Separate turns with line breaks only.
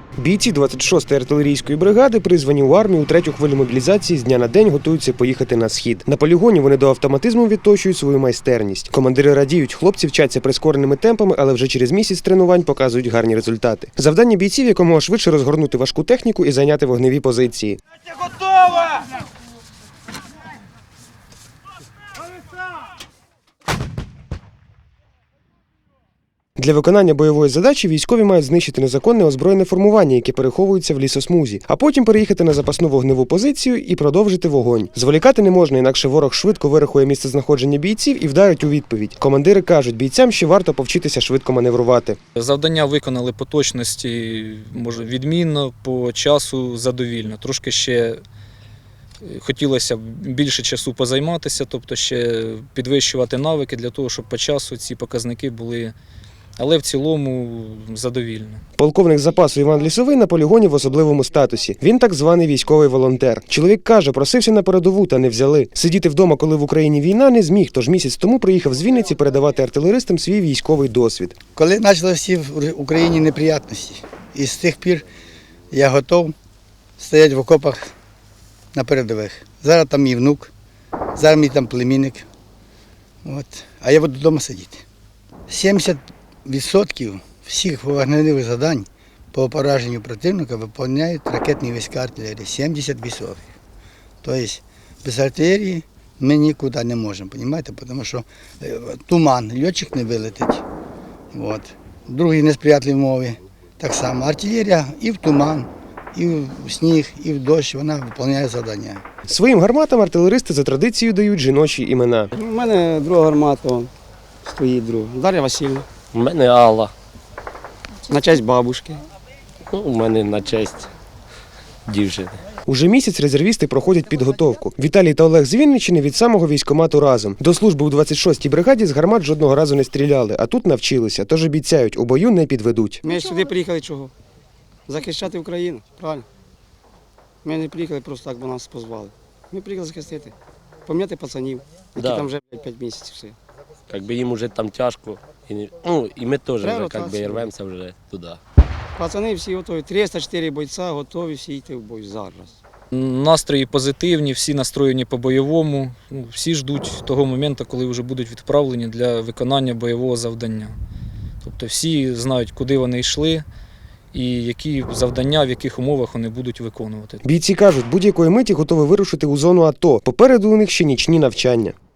Бійці 26-ї артилерійської бригади, призвані у армію у третю хвилю мобілізації, з дня на день готуються поїхати на схід. На полігоні вони до автоматизму відточують свою майстерність. Командири радіють, хлопці вчаться прискореними темпами, але вже через місяць тренувань показують гарні результати. Завдання бійців – якомога швидше розгорнути важку техніку і зайняти вогневі позиції.
Готова!
Для виконання бойової задачі військові мають знищити незаконне озброєне формування, яке переховується в лісосмузі, а потім переїхати на запасну вогневу позицію і продовжити вогонь. Зволікати не можна, інакше ворог швидко вирахує місцезнаходження бійців і вдарить у відповідь. Командири кажуть, бійцям ще варто повчитися швидко маневрувати.
Завдання виконали по точності, може, відмінно, по часу задовільно. Трошки ще хотілося б більше часу позайматися, тобто ще підвищувати навики для того, щоб по часу ці показники були. Але в цілому задовільно.
Полковник запасу Іван Лісовий на полігоні в особливому статусі. Він так званий військовий волонтер. Чоловік каже, просився на передову, та не взяли. Сидіти вдома, коли в Україні війна, не зміг, тож місяць тому приїхав з Вінниці передавати артилеристам свій військовий досвід.
Коли почалися в Україні неприємності, і з тих пір я готов стояти в окопах на передових. Зараз там мій внук, зараз мій там племінник. А я буду вдома сидіти. 70% всіх вогневих завдань по пораженню противника виконують ракетні війська артилерії. 70%. Тобто без артилерії ми нікуди не можемо, розумієте? Тому що туман, льотчик не вилетить. Другі несприятливі умови так само. Артилерія і в туман, і в сніг, і в дощ, вона виконує завдання.
Своїм гарматам артилеристи за традицією дають жіночі імена.
У мене друга гармата стоїть друга. Дар'я Васильівна.
У мене Алла.
На честь бабушки.
У мене на честь дівчини.
Уже місяць резервісти проходять підготовку. Віталій та Олег з Вінниччини від самого військкомату разом. До служби у 26-й бригаді з гармат жодного разу не стріляли, а тут навчилися. Тож обіцяють, у бою не підведуть.
Ми сюди приїхали чого? Захищати Україну, правильно? Ми не приїхали просто так, бо нас позвали. Ми приїхали захистити, пам'ятати пацанів, які там вже 5 місяців все.
Якби їм вже там тяжко, і ми теж вже рвемося вже туди.
Пацани всі готові, 304 бойця готові всі йти в бой зараз.
Настрої позитивні, всі настроєні по-бойовому, всі ждуть того моменту, коли вже будуть відправлені для виконання бойового завдання. Тобто всі знають, куди вони йшли і які завдання, в яких умовах вони будуть виконувати.
Бійці кажуть, будь-якої миті готові вирушити у зону АТО. Попереду у них ще нічні навчання.